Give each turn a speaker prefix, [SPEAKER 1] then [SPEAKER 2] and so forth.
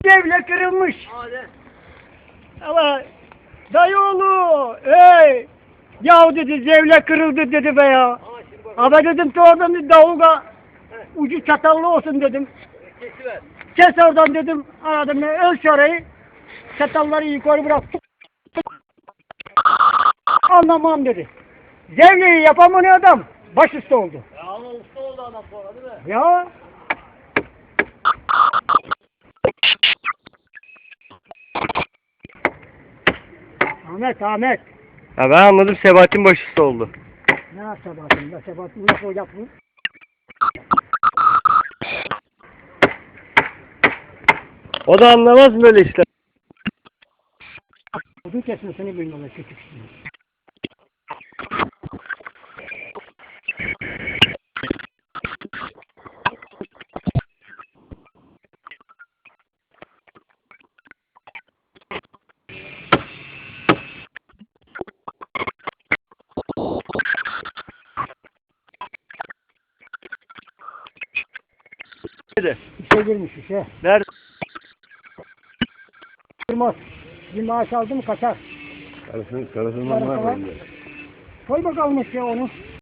[SPEAKER 1] Devle kırılmış.
[SPEAKER 2] Hadi.
[SPEAKER 1] Ama dayıoğlu, ey! Yahu dedi, devle kırıldı dedi be ya. Ama dedim ki oradan bir davulga ucu çatallı olsun dedim.
[SPEAKER 2] Kesiver.
[SPEAKER 1] Kes oradan dedim, aradım ölç orayı. Çatalları yukarı bırak. Anlamam dedi. Zevleyi yapamayan adam başüstü oldu.
[SPEAKER 2] Ya ama usta oldu adam sonra değil mi?
[SPEAKER 1] Ya. Ahmet.
[SPEAKER 3] Ya ben anladım, Sebahattin başüstü oldu.
[SPEAKER 1] Ne yapsa bakayım da Sebahattin nasıl olacak bu?
[SPEAKER 3] O da anlamaz böyle işler.
[SPEAKER 1] Odun kesmesini bilmiyorlar küçük.
[SPEAKER 3] Nerede?
[SPEAKER 1] İşe girmiş işe.
[SPEAKER 3] Nerede?
[SPEAKER 1] Durmaz. Bir maaş aldı mı kaçar.
[SPEAKER 3] Karısından var mı?
[SPEAKER 1] Koy bakalım ya onu.